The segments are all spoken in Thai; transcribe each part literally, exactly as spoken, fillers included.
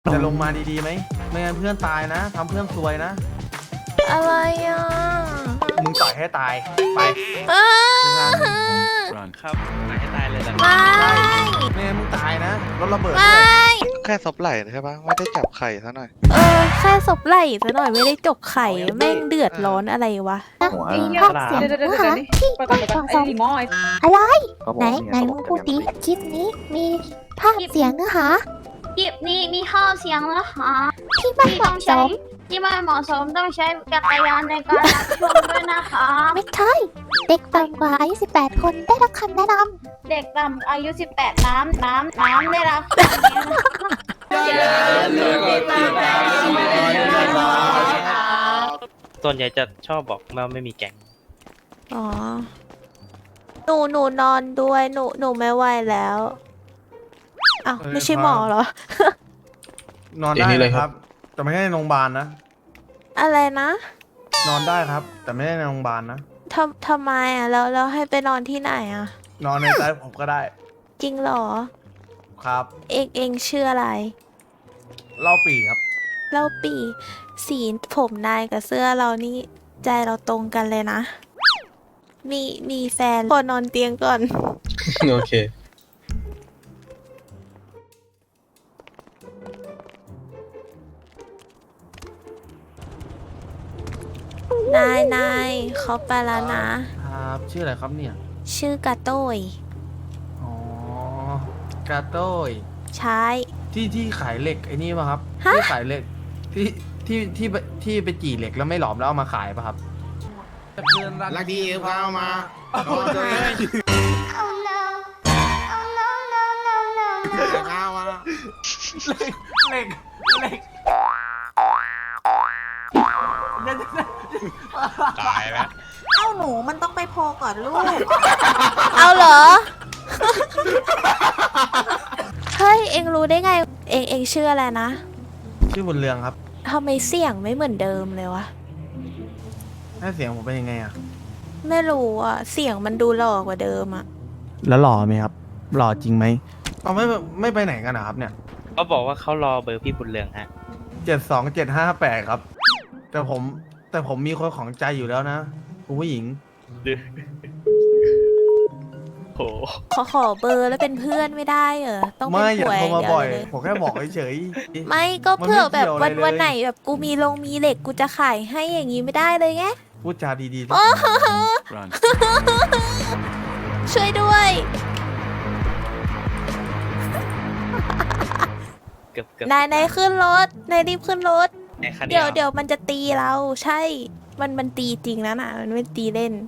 จะลงมาดีๆไหมไม่งั้นเพื่อนตายนะทำเพื่อนซวยนะอะไรอ่ะมึงต่อยให้ตายไปอ้าครับตายให้ตายเลยนะไม่ไม่งั้นมึงตายนะรถระเบิดไม่ด้วยแค่ซบไหล่ใช่ปะไม่ได้จับไข่ซะหน่อยเออแค่ศพไหล่ซะหน่อยไม่ได้จกไข่แม่งเดือดร้อนอะไรวะไอ้ภาคเสียงเดี๋ยวเดี๋ยวเดี๋ยวนะคะที่ไปก่อนไปก่อนสไอ้องดีมอยอะไรไหนไหนมึงพูดดิคลิปนี้มีภาคเสียงเนื้อหาคลิปนี้มีข้อเสียงนะคะที่ไม่ที่เหต้อมาะงสใช้มที่ไม่เหมาะสมต้องใช้จักรยานในการรับชมด้วยนะคะไม่ใช่ เด็กต่ำกว่าอายุสิบแปดคนได้รับคำแนะนเด็กต่ำอายุ สิบแปด น้ำน้ำน้ำได้รับคำนี้นะคะส่วนใหญ่จะชอบบอกว่าไม่มีแก๊งอ๋อหนูหนูนอนด้วยหนูหนูไม่ไหวแล้วอ้าวไม่ใช่หมอเหรอนอนได้เลยครับ แต่ไม่ใช่ในโรงพยาบาลนะอะไรนะนอนได้ครับ แต่ไม่ได้ในโรงพยาบาลนะทำทำไมอ่ะแล้วแล้วให้ไปนอนที่ไหนอ่ะนอนในใจผมก็ได้จริงเหรอครับเองเองชื่ออะไรเล่าปีครับเล่าปีสีผมนายกับเสื้อเรานี่ใจเราตรงกันเลยนะ มีมีแฟนพอนอนเตียงก่อนโอเคนายนายเขาไปแล้วนะครับชื่ออะไรครับเนี่ยชื่อกาโต้ยอ๋อกาโต้ยใช้ที่ที่ขายเหล็กไอ้นี่ป่ะครับฮะที่ขายเหล็กที่ที่ที่ไปที่ไปจี่เหล็กแล้วไม่หลอมแล้วเอามาขายป่ะครับเพื่อนรักลักดีพามาโอ้ยพามาเหล็กเหล็กตายแล้วเอ้าหนูมันต้องไปโพลก่อนลูกเอาเหรอ เฮ้ย เอ็งรู้ได้ไง เอ็งเอ็งชื่ออะไรนะชื่อบุญเรืองครับทำไมเสียงไม่เหมือนเดิมเลยวะหน้าเสียงผมเป็นยังไงอะไม่รู้อ่ะ เสียงมันดูหล่อกว่าเดิมอ่ะแล้วหล่อไหมครับ หล่อจริงไหมเอาไม่ไม่ไปไหนกันนะครับเนี่ยเขาบอกว่าเขารอเบอร์พี่บุญเรืองฮะเจ็ดสองเจ็ดห้าแปดครับ แต่ผมแต่ผมมีคนของใจอยู่แล้วนะคุณผู้หญิงโหขอขอเบอร์แล้วเป็นเพื่อนไม่ได้เหรอ ต้องเป็นไม่อย่าผัวโทรอย่างมาเดียวบ่อยเลยผมแค่บอกเฉยไม่ก็มันไม่เผื่อแบบเกี่ยวอะไรวันเลยวันไหนแบบกูมีลงมีเหล็กกูจะขายให้อย่างนี้ไม่ได้เลยไงๆพูดจาดีๆโอ้โหช่วยด้วยเกือบเกือบนายนายขึ้นรถ นายรีบขึ้นรถในคันเดี๋ยวเดี๋ยวมันจะตีเรา ใช่ มันมันตีจริงนะน่ะ มันไม่ตีเล่น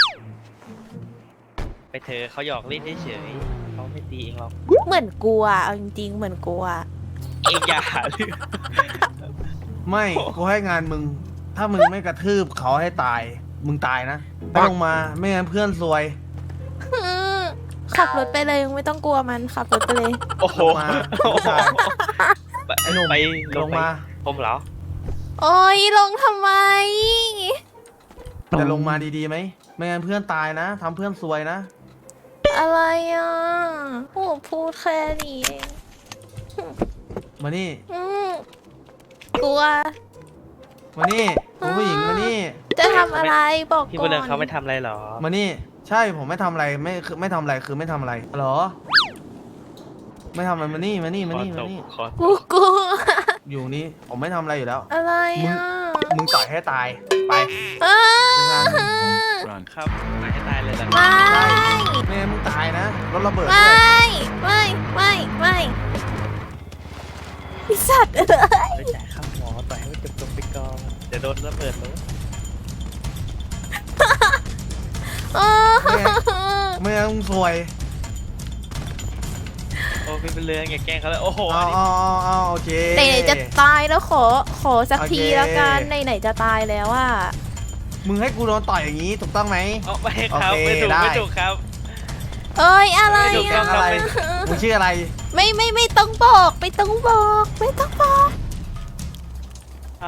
ไปเธอะเขาหยอกเล่นเฉยๆเขาไม่ตีเองหรอกเหมือนกลัวเอาจริงๆ เหมือนกลัวเองอย่าหาเรื่องไม่กูให้งานมึง ถ้ามึงไม่กระทืบเขาให้ตาย มึงตายนะไม่ลงมาไม่งั้นเพื่อนซวยขับรถไปเลยไม่ต้องกลัวมันขับรถไปเลยโอ้โหลงมาผู้ชาย ไอ้หนุ่มไปลงมาผมเหรอโอ้ยลงทำไมจะลงมาดีๆไหมไม่งั้นเพื่อนตายนะทำเพื่อนซวยนะอะไรอ่ะโอ้พูดแค่นี้เองมานี่อืมกลัวมานี่คุณผู้หญิงมานี่จะทำอะไรบอกพี่ก่บุอญเรืองนเขาไม่ทำอะไรหรอมานี่ ใช่ผมไม่ทำอะไรไม่คือไม่ทำอะไรคือไม่ทำอะไรเหรอ ไม่ทำอะไรมานี่มานี่มาขอนี่ตมาบนี่ขอกูกลัวอยู่นี่ผมไม่ทำอะไรอยู่แล้วอะไรอ่ะมึงต่อยให้ตายไปอ้าครับตายให้ตายเลยนะไม่ไม่งั้นมึงตายนะรถระเบิดไมด้วย่ไม่ไม่ไม่ไอสัตว์เอ้ยแล้วจ่ายค่าหมอต่อยให้มันจบๆไปก่อนเดี๋ยวโดนระเบิดรถอ้าไม่งั้นมึงซวยโอ้พี่บุญเรืองอย่าแกล้งเขาเลยโอ้โหเอาเอาเอาเอาโอเคไหนๆจะตายแล้วขอขอสักโอเคทีแล้วกันไหนๆจะตายแล้วอ่ะมึงให้กูโดนต่อยอย่างนี้ถูกต้องไหมเอาไม่ครับโอเคไม่ถูกได้ไม่ถูกครับเอ้ยอะไรไม่ถูกต้อ่ะองอะไรมึงชื่ออะไรไม่ไม่ไม่ต้องบอกไม่ต้องบอกไม่ต้องบอกครับ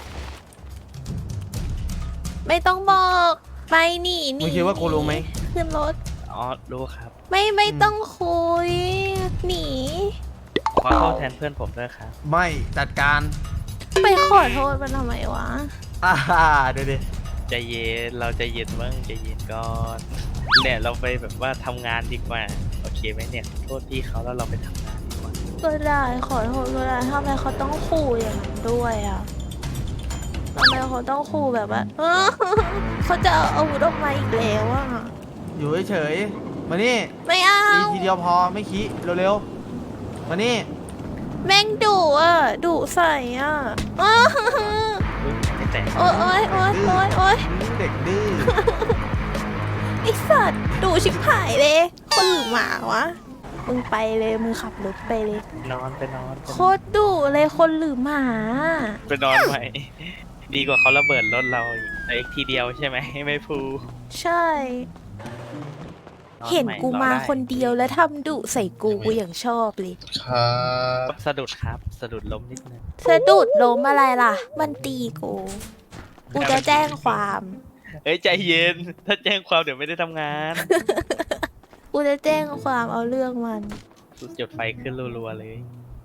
ไม่ต้องบอกไปหนีหนีมึงคิดว่ากูรู้ไหมขึ้นรถอ๋อรู้ครับไม่ไม่ต้องคุยหนีขอโทษแทนเพื่อนผมด้วยครับไม่จัดการไปขอโทษมันทำไมวะอ่าเดี๋ยวดิใจเย็นเราใจเย็นบ้างใจเย็นก่อนเนี่ยเราไปแบบว่าทำงานดีกว่าโอเคไหมเนี่ยโทษพี่เขาแล้วเราไปทำงานดีกว่าก็ได้ขอโทษก็ได้ทำไมเขาต้องขู่อย่างนั้นด้วยอ่ะทำไมเขาต้องขู่แบบว่า เขาจะเอาอาวุธออกมาอีกแล้วอ่ะอยู่เฉยๆมานี่ไม่เอาตีทีเดียวพอไม่ขี้เร็วๆมานี่แม่งดุอ่ะดุใส่อ่ะ อ้าอุ๊ยไม่แตกโอ๊ยโอ๊ยโอ๊ยโอ๊ยโอ๊ยเด็กดื้อไอสัตว์ดุชิบหายเลย คนหรือหมาวะ มึงไปเลยมึงขับรถไปเลยนอนไปนอนไปโคนอนตรดุเลยคนหรือหมาไปนอนใหม่ ดีกว่าเขาระเบิดรถเราอีกแต่อีกทีเดียวใช่ไหมไม่พูใช่นอนเห็นใหม่กูรอมาได้คนเดียวแล้วทำดุใส่กูกูอย่างชอบเลยสะดุดครับสะดุดล้มนิดนึงสะดุดล้มอะไรล่ะ มันตีกู กูจะแจ้งความเอ้ยใจเย็น ถ้าแจ้งความเดี๋ยวไม่ได้ทำงานกูจะแจ้งความเอาเรื่องมันจุดไฟขึ้นรัวๆเลย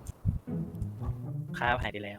ค่าหายไปแล้ว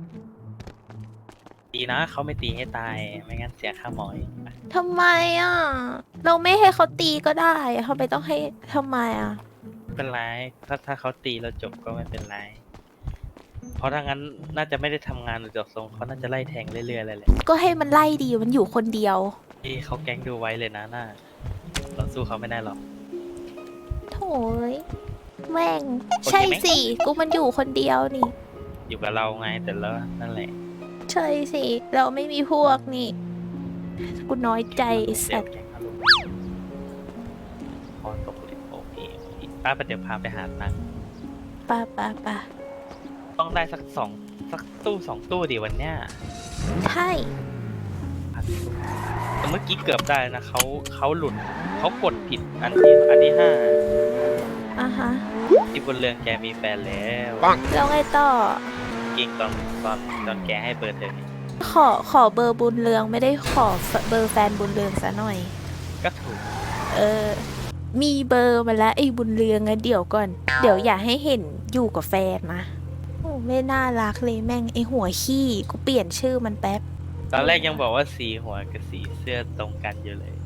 ดีนะเขาไม่ตีให้ตาย ไม่งั้นเสียค่าหมอยทำไมอ่ะ เราไม่ให้เขาตีก็ได้อะทำไมต้องให้ทำไมอ่ะไม่เป็นไร ถ้าถ้าเขาตีเราจบก็ไม่เป็นไร เพราะถ้างั้นน่าจะไม่ได้ทำงานหรือจบทรงเขาน่าจะไล่แทงเรื่อยๆเลยแหละก็ให้มันไล่ดีมันอยู่คนเดียวที่เขาแก๊งดูไว้เลยนะน่าเราสู้เขาไม่ได้หรอกโถ่เอ้ยแม่งโอเคไหมใช่สิ กูมันอยู่คนเดียวนี่อยู่กับเราไงแต่แล้วนั่นแหละใช่สิ เราไม่มีพวกนี่ กูน้อยใจไอ้เซสัลตว์แก๊งอารมณ์พอตกผลิตโอเคป้าไปเดี๋ยวพาไปหาตังค์ป่ะป่ะป่ะต้องได้สักสองสักตู้สองตู้ดิวันเนี้ยใช่พันตู้แต่เมื่อกี้เกือบได้นะเขาเขาหลุดเขากดผิดอันที่อันที่ห้าอ่ะฮะที่บนเรืองแกมีแฟนแล้วแล้วไงต่อกิงตอนตอนตอนแกให้เบอร์เธอไงขอขอเบอร์บุญเรืองไม่ได้ขอเบอร์แฟนบุญเรืองซะหน่อยก็ถูกเออ มีเบอร์มาแล้วไอ้บุญเรืองอะเดี๋ยวก่อน เดี๋ยวอย่าให้เห็นอยู่กับแฟนนะโอ้ไม่น่ารักเลยแม่งไอ้หัวขี้กูเปลี่ยนชื่อมันแป๊บตอนแรกยังบอกว่าสีหัวกับสีเสื้อตรงกันอยู่เลย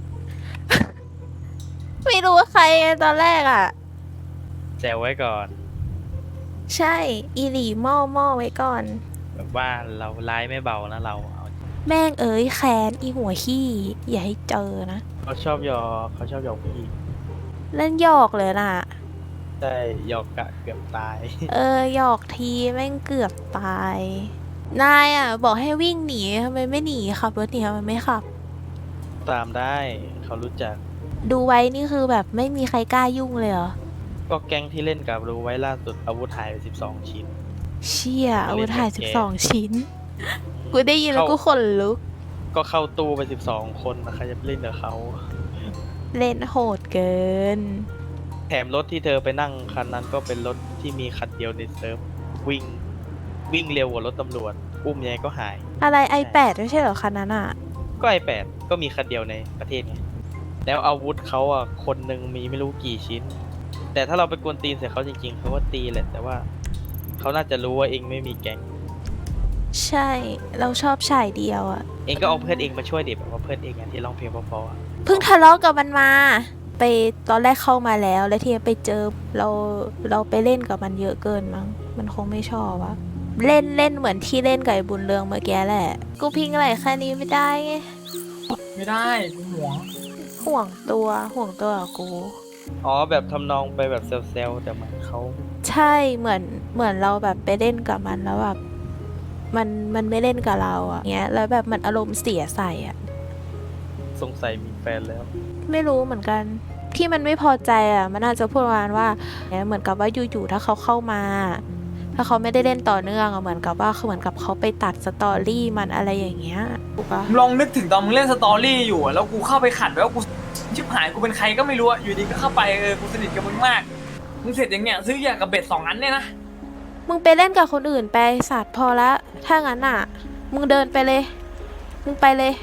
ไม่รู้ว่าใครไงตอนแรกอ่ะแจวไว้ก่อนใช่ อีหลีหม้อหม้อไว้ก่อนแบบว่าเราร้ายไม่เบานะเราเอาแม่งเอ๋ยแค้นอีหัวขี้อย่าให้เจอนะเขาชอบหยอกเขาชอบหยอกผู้หญิงเล่นหยอกเลยน่ะใช่หยอกกะเกือบตายเออหยอกทีแม่งเกือบตาย นายอ่ะ บอกให้วิ่งหนีทำไมไม่หนีขับรถหนีทำไมไม่ขับตามได้เขารู้จักดูไว้นี่คือแบบไม่มีใครกล้ายุ่งเลยเหรอก็แก๊งที่เล่นกับรู้ไว้ล่าสุดอาวุธหายไปสิบสองชิ้นเชี่ยอาวุธหายเล่สินบกับสองแกชิ้น กูได้ยินแล้วกูเข้าขนลุกก็เข้าตู้ไปสิบสองคนนะใครจะไปเล่นกับเขาเล่นโหดเกินแถมรถที่เธอไปนั่งคันนั้นก็เป็นรถที่มีคันเดียวในเซิร์ฟวิ่ง วิ่งเร็วกว่ารถตำรวจ อุ้มยังไงก็หายอะไร ไอแปด ไม่ใช่เหรอคันนั้นอ่ะก็ไอแปดก็มีคันเดียวในประเทศไง แล้วอาวุธเขาอ่ะ คนหนึ่งมีไม่รู้กี่ชิ้น แต่ถ้าเราไปกวนตีนใส่เขาจริงๆเขาก็ตีแหละ แต่ว่าเขาน่าจะรู้ว่าเองไม่มีแก๊งใช่ เราชอบชายเดียวอ่ะเองก็เอาเพื่อนเองมาช่วยเด็กแบบว่าเพื่อนเองอ่ะที่ร้องเพลงเพราะๆอะเพิ่งทะเลาะกับมันมา ไปตอนแรกเข้ามาแล้ว แล้วทีนี้ไปเจอเราเราไปเล่นกับมันเยอะเกินมั้ง มันคงไม่ชอบอะเล่นเล่นเหมือนที่เล่นกับไอ้บุญเรืองเมื่อกี้แหละ กูพิงอะไรแค่นี้ไม่ได้ไงไม่ได้กูหวงห่วงตัวห่วงตัวกับกูอ๋อแบบทำนองไปแบบเซลล์แต่เหมือนเขาใช่เหมือนเหมือนเราแบบไปเล่นกับมันแล้วแบบมันมันไม่เล่นกับเราอะเงี้ยแล้วแบบมันอารมณ์เสียใส่อะสงสัยมีแฟนแล้วไม่รู้เหมือนกันที่มันไม่พอใจอะมันอาจจะพูดประมาณว่าเนี่ยเหมือนกับว่าอยู่ๆถ้าเขาเข้ามา ถ้าเขาไม่ได้เล่นต่อเนื่องอะเหมือนกับว่าคือเหมือนกับเขาไปตัดสตอรี่มันอะไรอย่างเงี้ยถูกปะลองนึกถึงตอนมึงเล่นสตอรี่อยู่อะแล้วกูเข้าไปขัดแล้วกูชิบหายกูเป็นใครก็ไม่รู้อะอยู่ดีก็เข้าไปเออกูสนิทกับมึงมากมึงเสร็จอย่างเงี้ยซื้อยากับเบ็ดสองอันเนี่ยนะมึงไปเล่นกับคนอื่นไปสัตว์พอละถ้างั้นอะมึงเดินไปเลย มึงไปเลย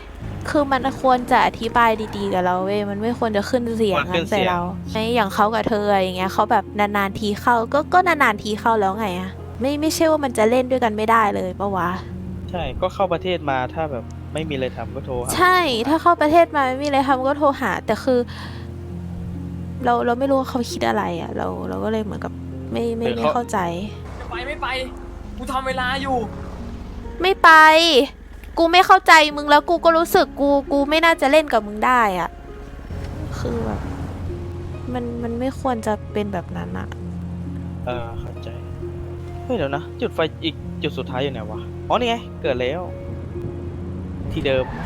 คือมันควรจะอธิบายดีๆกับเราเว้ยมันไม่ควรจะขึ้นเสียงควรขึ้งั้นนเสีใส่ยงเราไอ้อย่างเขากับเธออะไรอย่างเงี้ยเขาแบบนานๆทีเข้าก็ก็นานๆทีเข้าแล้วไงอะไม่ไม่ใช่ว่ามันจะเล่นด้วยกันไม่ได้เลยปะวะใช่ก็เข้าประเทศมาถ้าแบบไม่มีอะไรทำก็โทรหาใช่ถ้าเข้าประเทศมาไม่มีอะไรทำก็โทรหา แต่คือ เราเราไม่รู้ว่าเขาคิดอะไรอะเราเราก็เลยเหมือนกับไม่ไม่ไม่เข้าใจจะไปไม่ไป กูทำเวลาอยู่ไม่ไป กูไม่เข้าใจมึงแล้วกูก็รู้สึกกูกูไม่น่าจะเล่นกับมึงได้อะคือแบบมันมันไม่ควรจะเป็นแบบนั้นอะเออเข้าใจเฮ้ยเดี๋ยวนะ จุดไฟอีกจุดสุดท้ายอยู่ไหนวะอ๋อนี่ไงเกิดแล้ว ที่เดิม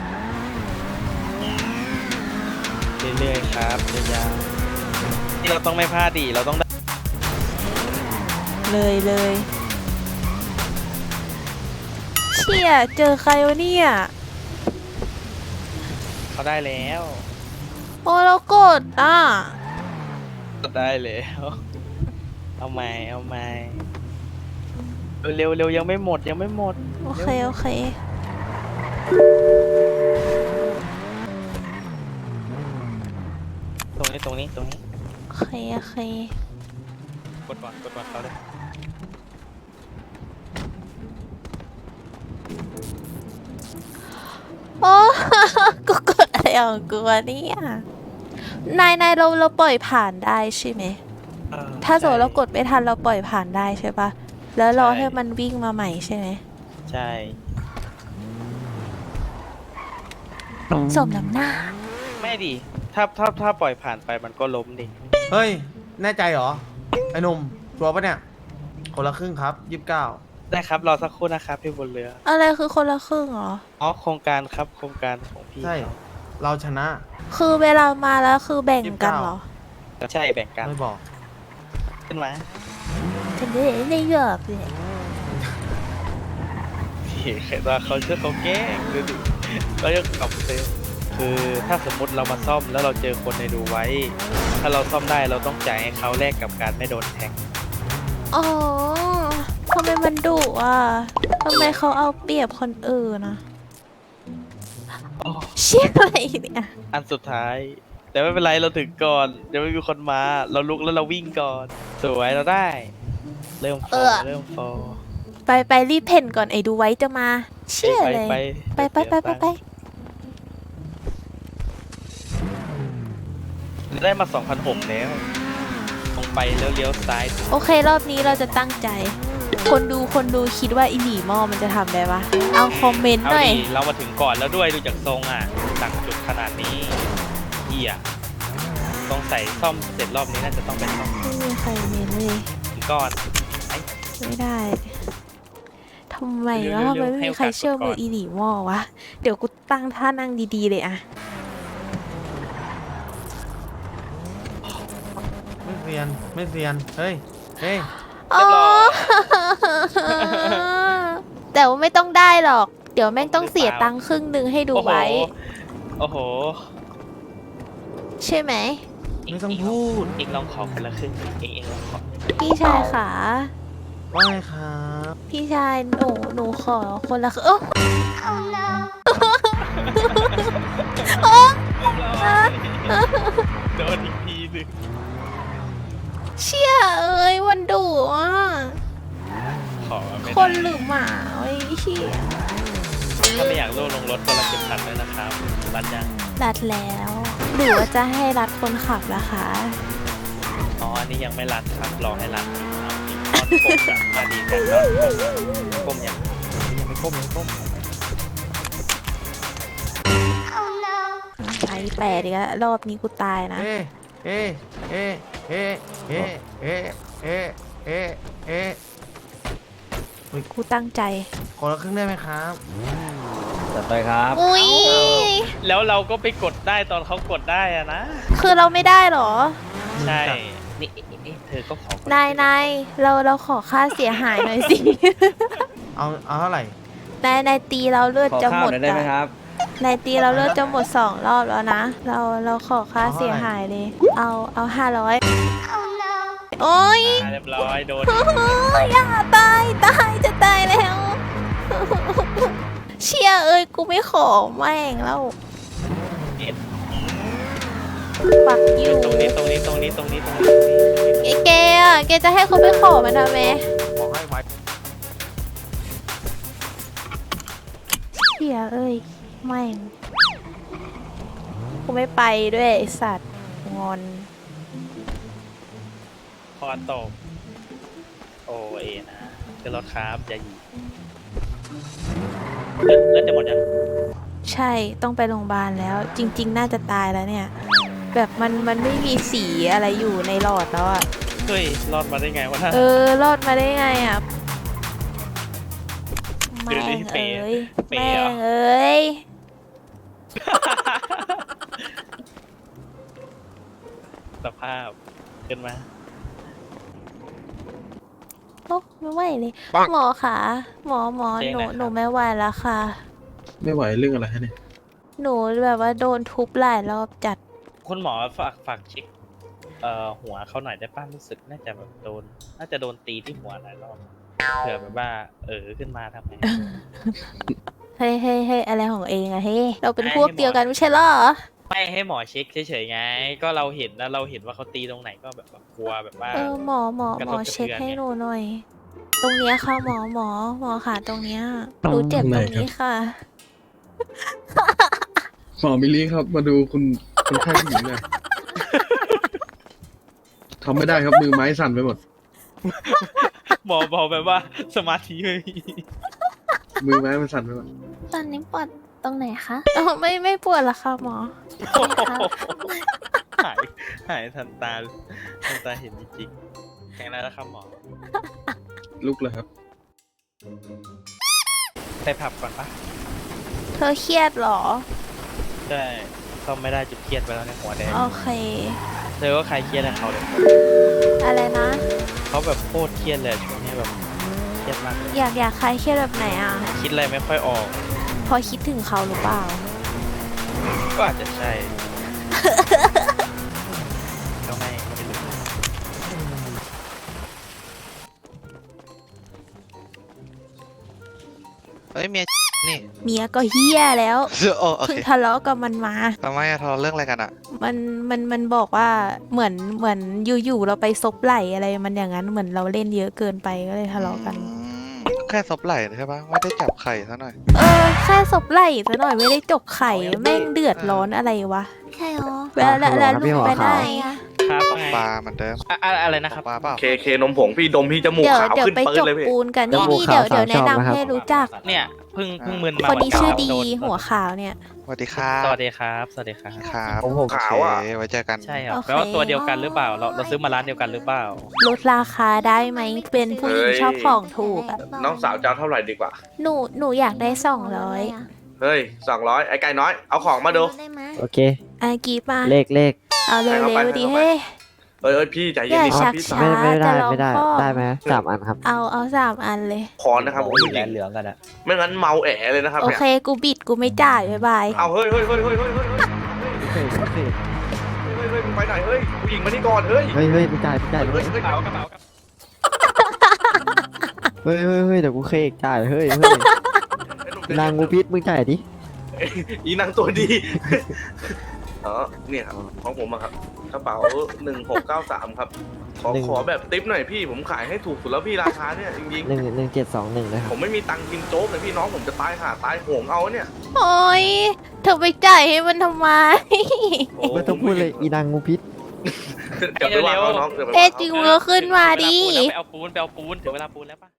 เรื่อยๆครับยาวๆนี่เราต้องไม่พลาดดิเราต้องได้เลยเลยเชี่ยเจอใครวะเนี่ยเขาได้แล้วโอ้เรากดอ่ะได้แล้ว เอาใหม่เอาใหม่เร็วๆเร็วยังไม่หมดยังไม่หมดโอเคโอเคตรงนี้ตรงนี้ตรงนี้โอเคโอเคกดก่อนกดก่อนเขาเลยโอ้ กูกดอะไรของกูวะเนี่ยนายนายเราเราปล่อยผ่านได้ใช่ไหมเออถ้าสมมติเรากดไม่ทันเราปล่อยผ่านได้ใช่ปะแล้วรอใช่ให้มันวิ่งมาใหม่ใช่ไหมใช่สมน้ำหน้าไม่ดิถ้าถ้าถ้าปล่อยผ่านไปมันก็ล้มดิเฮ้ย แน่ใจเหรอ ไอ้หนุ่มชัวร์ปะเนี่ย คนละครึ่งครับยี่สิบเก้าได้ครับรอสักครู่นะครับพี่บนเรืออะไรคือคนละครึ่งเหรออ๋อโครงการครับโครงการของพี่ใช่เขาเราชนะคือเวลามาแล้วคือแบ่งกันเหรอใช่แบ่งกันไม่บอกขึ้นมาฉันได้ได้เยอะเลยพี่เคยตอนเขาเชื่อเขาแกล้งดูดิเราจะกลับเซฟคือถ้าสมมุติเรามาซ่อมแล้วเราเจอคนในดูไว้ ถ้าเราซ่อมได้เราต้องจ่ายให้เขาแลกกับการไม่โดนแทงอ๋อทำไมมันดุอ่ะทำไมเขาเอาเปรียบคนอื่นนะอ๋อเชี่ยอะไรเนี่ยอันสุดท้าย แต่ไม่เป็นไรเราถึงก่อนเดี๋ยวไม่มีคนมา เราลุกแล้วเราวิ่งก่อน สวยเราได้ เริ่มฟอร์เริ่มฟอร์ไปไปรีบเพ่นก่อนไอ้ดูไว้จะมา เชี่ยเลยไปไปไปไปไปไปได้มา สองพันหกร้อย แล้วตรงไปแล้วเลี้ยวซ้ายโอเครอบนี้เราจะตั้งใจ คนดูคนดูคิดว่าอีหลีหม้อมันจะทำได้ปะเอาคอมเมนต์เอาหน่อยดีเรามาถึงก่อนแล้วด้วยดูจากทรงอ่ะต่างจุดขนาดนี้เหี้ยต้องใส่ซ่อมเสร็จรอบนี้น่าจะต้องเป็นซ่อมไม่มีใครเมนเลยถึงก่อนไม่ได้ทำไมเร็ววะๆทำไมไม่ให้มีโอกาสใครเชื่อก่อนมืออีหลีหม้อวะ เดี๋ยวกูตั้งท่านั่งดีๆเลยอะไม่เซียน ไม่เซียน เฮ้ย เฮ้ยเรียบร้อยแต่ว่าไม่ต้องได้หรอก เดี๋ยวแม่งต้องเสียตังค์ครึ่งหนึ่งให้ดูไว้โอ้โหใช่ไหมไม่ต้องพูดเองลองขอคนละครึ่งเองเองลองขอพี่ชายขาว่าไงครับพี่ชายหนูหนูขอคนละครึ่งโอ้โดนอีกทีหนึงเชี่ยเอ้ยวันดุอ่ะขอไม่คนได้หรือหมาไอ้เชี่ยถ้าไม่อยากโลลงรถคนละเข็มขัดด้วยนะครับรัดยังรัดแล้วหรือว่าจะให้รัดคนขับล่ะคะอ๋ออันนี้ยังไม่รัดครับรอให้รัดอีกเอาอีกตอนกบกับมาดีกันตอนกบก้มยังยังไม่ก้มยังไม่ก้มไอแปดอีกแล้วรอบนี้กูตายนะเอ๊ะเอ๊ะเอ๊ะเอ๊ะเอ๊ะเอ๊ะเอ๊ะเอ๊ะเอ๊ะกูตั้งใจคนละครึ่งได้ไหมครับจัดไปครับอุ้ยแล้วเราก็ไปกดได้ตอนเขากดได้อะนะคือเราไม่ได้เหรอใช่ นี่นี่เธอก็ขอก่อนนายนายเราเราขอค่าเสียหายหน่อยสิเอา เอาเท่าไหร่นายนายตีเราเลือดขอจะข้าหวมดหน่อยได้ไหมครับนายตีเราเลือดจะหมดสองรอบแล้วนะ เราเราขอค่าเอาเท่าไหร่เสียหายเลย เอาเอาห้าร้อยโอ้ยอ่ะเรียบร้อยโดนอย่าตายตายจะตายแล้ว เชี่ยเอ้ยกูไม่ขอแม่งแล้วปักอยู่ตรงนี้ตรงนี้ตรงนี้ตรงนี้ตรงนี้ไอ้แกอ่ะแกจะให้เขาไปขอมันทำไมบอกให้ไว้เหี้ยเอ้ยไม่งกูไม่ไปด้วยไอสัตว์งอนคอตกโอเอนะคือรถครับอย่าหยีเลือดเลือดจะหมดยังใช่ต้องไปโรงพยาบาลแล้ว จริง ๆ น่าจะตายแล้วเนี่ย แบบมันมันไม่มีสีอะไรอยู่ในหลอดแล้วอ่ะเฮ้ยรอดมาได้ไงวะน่ะเออ รอดมาได้ไงอ่ะเดี๋แม่ยวนี้งเปเอ้ย์ยเปย์แม่เหรองเอ้ยสภาพขึ้นมาโอ้ไม่ไหวเลย หมอค่ะ หมอหมอเจ๊หนูไหนครับหนูไม่ไหวแล้วค่ะไม่ไหวเรื่องอะไรฮะเนี่ยหนูแบบว่าโดนทุบหลายรอบจัดคุณหมอฝากฝากเช็คเอ่อหัวเขาหน่อยได้ป้ะรู้สึกน่าจะแบบโดน น่าจะโดนตีที่หัวหลายรอบเผื่อแบบว่า เออขึ้นมาทำไงเฮ้ยเฮ้ยเฮ้ยอะไรของเองอะเฮ้ยเราเป็นให้พวกให้หมอเดียวกันไม่ใช่เหรอไม่ให้หมอเช็คเฉยๆไง ก็เราเห็นแล้วเราเห็นว่าเขาตีตรงไหนก็แบบว่ากลัวแบบว่าเออหมอหมอกระหทมบอกระเทือนเช็คให้ไงหนูหน่อย ตรงเนี้ยค่ะหมอหมอหมอค่ะตรงเนี้ยตรงหนูเจ็บไหนตรงครับนี้ค่ะหมอมิลลี่ครับ มาดูคุณคนไข้ผู้หญิงหน่อยทำไม่ได้ครับมือไม้สั่นไปหมดหมอบอกแบบว่าสมาธิไม่มีมือไม้มันสั่นไปหมดตอนนี้ปวดตรงไหนคะเออไม่ไม่ปวดละค่ะหมอหายหายทันตาทันตาเห็นจริงๆแข็งแล้วนะครับหมอลุกเลยครับไปผับก่อนปะเธอเครียดเหรอใช่ก็ไม่ได้จุดเครียดไปแล้วในหัวแดงโอเคเธอก็ใครเครียดกับเขาเลยอะไรนะเขาแบบโคตรเครียดเลยช่วงนี้แบบเครียดมากเลยอยากอยากคลายเครียดแบบไหนอ่ะคิดอะไรไม่ค่อยออกพอคิดถึงเขาหรือเปล่าก็อาจจะใช่ ก็ไม่ก็ไม่รู้เอ้ยเมียนี่เมียก็เฮี้ยแล้วโอ้โอเพิ่งเคทะเลาะกับมันมาทำไมอะทะเลาะเรื่องอะไรกันอะมันมันมันบอกว่าเหมือนเหมือนอยู่ๆเราไปซบไหลอะไรมันอย่างนั้นเหมือนเราเล่นเยอะเกินไปก็เลยทะเลาะกันอืมแค่ซบไหล่ใช่ปะไม่ได้จับไข่ซะหน่อยเออแค่ซบไหลซะหน่อยไม่ได้จกไข่แม่งเดือดร้อนอะไรวะใช่หรอแล้วแล้วแล้วลุงไปไหนอะครับตกไงปลาเหมือนเดิมอะอะอะไรนะตครักบปลาเปล่าเคเคนมผงพี่ดมพี่จมูกเดี๋ยวขาวเดี๋ยวขึ้นไปปื้จนกเลยพี่ปูนกันนี่จมูกนี่เดี๋ยวขาวเดี๋ยวสามแนะชอบนะครับนำให้รู้จักเนี่ยเพิ่งเพิ่งมึนมาคนนี้ชื่อดีโนหัวขาวเนี่ยสวัสดีครับสวัสดีครับ สวัสดีครับครับผมผมโอขาวเคอะไว้เจอกันใช่ครับโอเคแปลว่าตัวเดียวกันหรือเปล่า เราเราซื้อมาร้านเดียวกันหรือเปล่าลดราคาได้ไหมเป็นผู้หญิงชอบของถูกอะน้องสาวจะเอาเท่าไหร่ดีกว่าหนูหนูอยากได้สองร้อยเฮ้ยสองร้อยไอ้ไก่น้อย เอาของมาดูได้ไหมโอเคอากีบมาเลขเลขเอาเร็ให้เขาไปวๆดีให้เขาไปเฮ้ยเอ้ยเอ้ยพี่ใจอเย็นย่าดิคชัรับกพี่ช้าไม่ไม่ได้จะลองไม่ได้พ่อได้ไหมสามอันครับเอาเอาสามอันเลยขอนะครับผมผู้หญิงเหลืองกันอะไม่งั้นเมาแอะเลยนะครับโอเนี่ยเคกูบิดกูไม่จ่ายบ๊ายบายเอาเฮ้ยเฮ้ยเฮ้ยเฮ้ยเฮ้ยเฮ้ยเฮ้ยเฮ้ยเฮ้ยเฮ้ยเฮ้ยมึงไปไหนเฮ้ยผู้หญิงมานี่ก่อนเฮ้ยเฮ้ยเฮ้ยไม่จ่ายไม่จ่ายเฮ้ยเฮ้ยกระเป๋ากระเป๋ากระเป๋าเฮ้ยเฮ้ยเฮ้ยเดี๋ยวกูเคกจ่ายเฮ้ยเฮ้ยนางงูพิษมึงจ่ายดิอีนางตัวดีอ๋อเนี่ยครับของผมอะครับกระเป๋าหนึ่งหกเก้าสามครับขอขอแบบติ๊ปหน่อยพี่ผมขายให้ถูกสุดแล้วพี่ราคาเนี่ยจริงหนึ่งหนึ่งเจ็ดสองหนึ่งนะคๆรับผมไม่มีตังค์กินโจ๊กเลยพี่น้องผมจะตายห่าตายโหงเอาเนี่ยโอ้ยเธอไปจ่ายให้มันทำไมไม่ต้องพูดเลยอีนางงูพิษเดี๋ยวไปวางเอาน้องเดี๋ยวไปวางเอ๊ะเอาจริงมึงก็ขึ้นมาดิไปเอาปูนไปเอาปูนถึงเวลาปูนแล้วปะ